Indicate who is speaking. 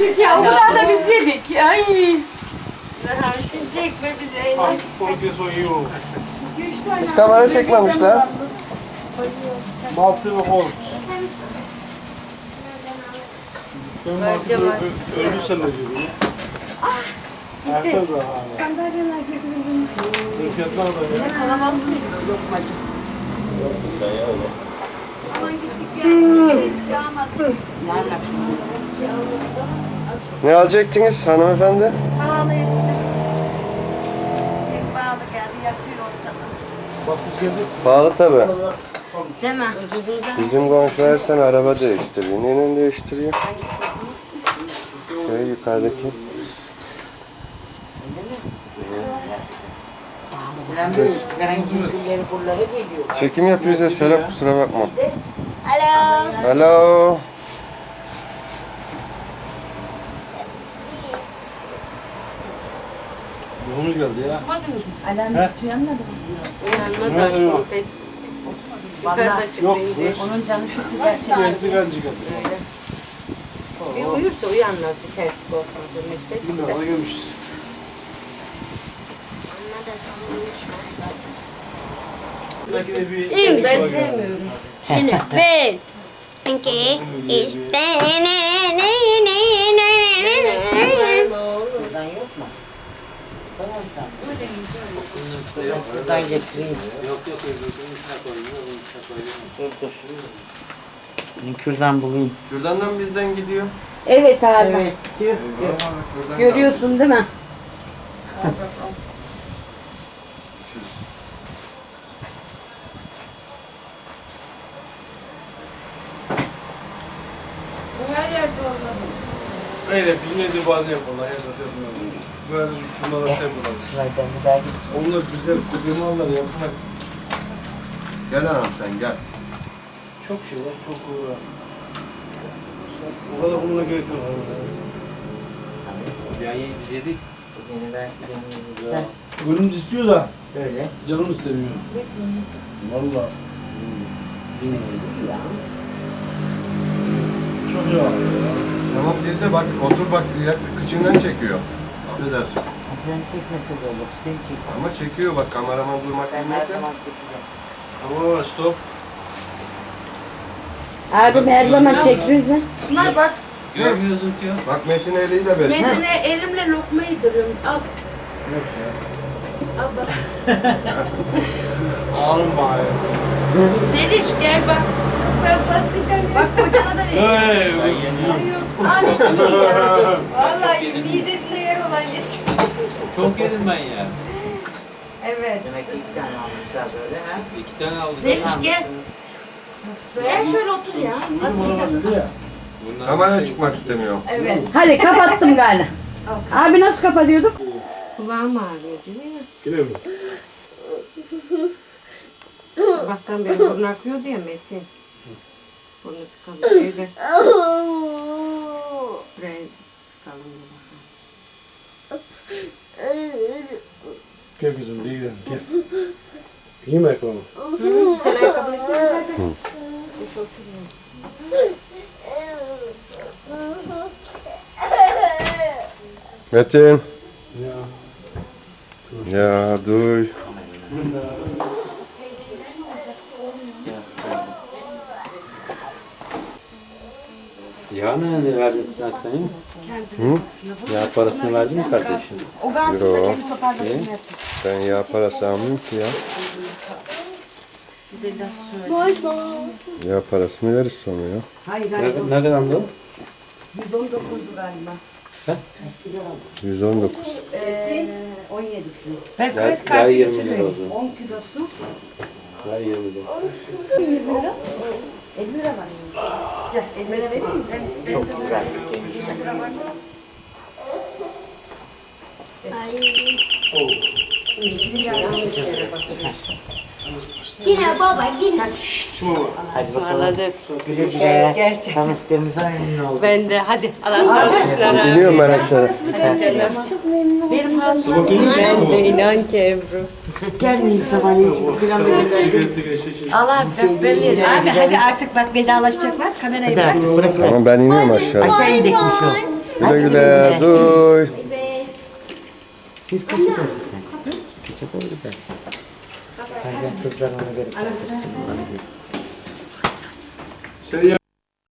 Speaker 1: yedik ya. O kadar da biz yedik. Ay.
Speaker 2: Şimdi çekme bize.
Speaker 3: Hiç kamera çekmemişler.
Speaker 4: Maltı ve holt. Ölürsen ne diyor? Ayakta da hala.
Speaker 1: Sandalyeler getirdim.
Speaker 4: Fiyatlar da ya.
Speaker 1: Kalabalık mıydı? Lokmacı.
Speaker 4: Sen ya öyle.
Speaker 1: Aman gittik ya. Bir şey çıkamadık.
Speaker 3: Ne alacaktınız hanımefendi?
Speaker 1: Pahalı hepsi. Tek pahalı geldi. Yakıyor ortalığı.
Speaker 4: Bak bu geldi.
Speaker 3: Pahalı tabi.
Speaker 1: Değil mi?
Speaker 3: Bizim komşular sen araba değiştiriyor. Neyle değiştiriyor? Şey yukarıdaki. Çekim yapıyoruz ya Serap, kusura bakma.
Speaker 5: Alo.
Speaker 3: Alo.
Speaker 4: Yoğunuz geldi ya.
Speaker 1: Alarm uyanmadı mı?
Speaker 2: Uyanmaz artık. Pes. Yukarıda çıktı
Speaker 4: Yok.
Speaker 2: indi.
Speaker 1: Onun canı çok güzel.
Speaker 4: Gezdi gancı geldi.
Speaker 2: Bir uyursa uyanmaz. Bir ters korkmadı. Meslek.
Speaker 4: Bilmiyorum ona gelmişiz.
Speaker 5: İyi misin?
Speaker 2: Ben sevmiyorum.
Speaker 5: Şimdi bir, iki, üç,
Speaker 2: Buradan yok mu? Buradan getireyim. Dur dur. Kürdan bulayım.
Speaker 3: Kürdan'dan bizden gidiyor.
Speaker 1: Evet abi.
Speaker 2: Evet. Tüh.
Speaker 3: Kürdan
Speaker 1: Görüyorsun değil mi?
Speaker 4: Öyle bizim evde bazen yaparlar. Her zaten yapmıyorlar. Böyle şunlara yapıyorlar.
Speaker 2: Şuradan bir daha git.
Speaker 4: Onlar güzel kudumalar yapar.
Speaker 3: Gel anam sen gel.
Speaker 4: Çok şey var, çok uğra. O kadar bununla gerek yok.
Speaker 6: Yani yedik.
Speaker 2: Bugünü ben yanımızda.
Speaker 4: Gönlümüz istiyor da
Speaker 2: Böyle.
Speaker 4: canım istemiyor. Vallahi. Çok iyi abi ya.
Speaker 3: Tamam teyze bak otur bak kıçından çekiyor. Affedersin.
Speaker 2: Ben çekmese de olur. Sen çeksin.
Speaker 3: Ama çekiyor bak kameraman durmak
Speaker 2: Ben her
Speaker 3: bilmekte.
Speaker 2: zaman çekeceğim.
Speaker 4: Tamam stop.
Speaker 1: Abim her zaman çek bizi.
Speaker 7: Bunlar bak,
Speaker 6: Görmüyorsun ki.
Speaker 3: Bak Metin eliyle besliyor.
Speaker 7: Metin'e elimle lokma yediriyorum. Al,
Speaker 4: Yok ya.
Speaker 7: al bak.
Speaker 4: Ağrım bari.
Speaker 7: Zeliş gel bak. Ben patlayacağım. Bak kocana da ver.
Speaker 4: Hey.
Speaker 2: Vallahi midesinde yer olan yesin.
Speaker 6: Çok yedim ben ya.
Speaker 2: Evet. Demek ki 2 tane almışlar böyle ha.
Speaker 6: 2 tane aldım.
Speaker 7: Zeliş gel. Gel şöyle otur ya.
Speaker 6: Bunlar
Speaker 3: Kameraya çıkmak istemiyor.
Speaker 2: Evet.
Speaker 1: Hadi kapattım galiba. Abi nasıl kapatıyorduk?
Speaker 2: Kulağım ağrıyor değil mi?
Speaker 4: Yine mi?
Speaker 2: Sabahtan beri burnu akıyordu ya Metin. Burnu tıkalı. Evde sprey sıkalım diye.
Speaker 4: Gel kızım değil gel. İyi mi ayakkabı?
Speaker 2: Sen ayakkabını giy hadi. Kuş oturuyor.
Speaker 3: Metin.
Speaker 4: Ya.
Speaker 3: Ya duy.
Speaker 6: Ya ne verdin sen senin? Ya parasını verdin mi kardeşim?
Speaker 7: O gansın da
Speaker 3: Yo.
Speaker 7: kendi toparlasın versin.
Speaker 3: Ben yağ parası almıyorum ki ya. Yağ parasını veririz sonra ya.
Speaker 1: Hayır
Speaker 6: Ne kadar mı?
Speaker 1: 119'du galiba.
Speaker 3: 119.
Speaker 1: 17 kilo.
Speaker 7: Ben
Speaker 6: Ya,
Speaker 7: kredi
Speaker 6: ya
Speaker 7: kartı
Speaker 6: 20 lira
Speaker 7: geçiriyorum.
Speaker 6: oldu.
Speaker 1: 10 kilosu
Speaker 6: Ya 20 lira.
Speaker 1: 50 lira var. Gel 50 lira vereyim mi?
Speaker 2: Çok güzel. Yanlış yere basıyorsun.
Speaker 5: Yine baba yine.
Speaker 2: Ismarladık. Güle güle. Gerçekten. Tanıştığımıza memnun oldum. Ben de. Hadi Allah'a ısmarlasınlar.
Speaker 3: İniyorum ben aşağı.
Speaker 2: Hadi canım.
Speaker 1: Benim hatun.
Speaker 2: Ben de inan ki Ebru. Gelmeyin sabahleyin. Selam verin.
Speaker 7: Allah ben veririm.
Speaker 2: Abi hadi artık bak vedalaşacaklar. Kamerayı bırak.
Speaker 3: Tamam ben iniyorum aşağı.
Speaker 2: Aşağı inecekmiş o.
Speaker 3: Güle güle. Duy.
Speaker 2: Siz kaça doğru gidersiniz? Kaça doğru gidersiniz? Bazen kızlar ona göre kalkıştırmalı.
Speaker 3: Sen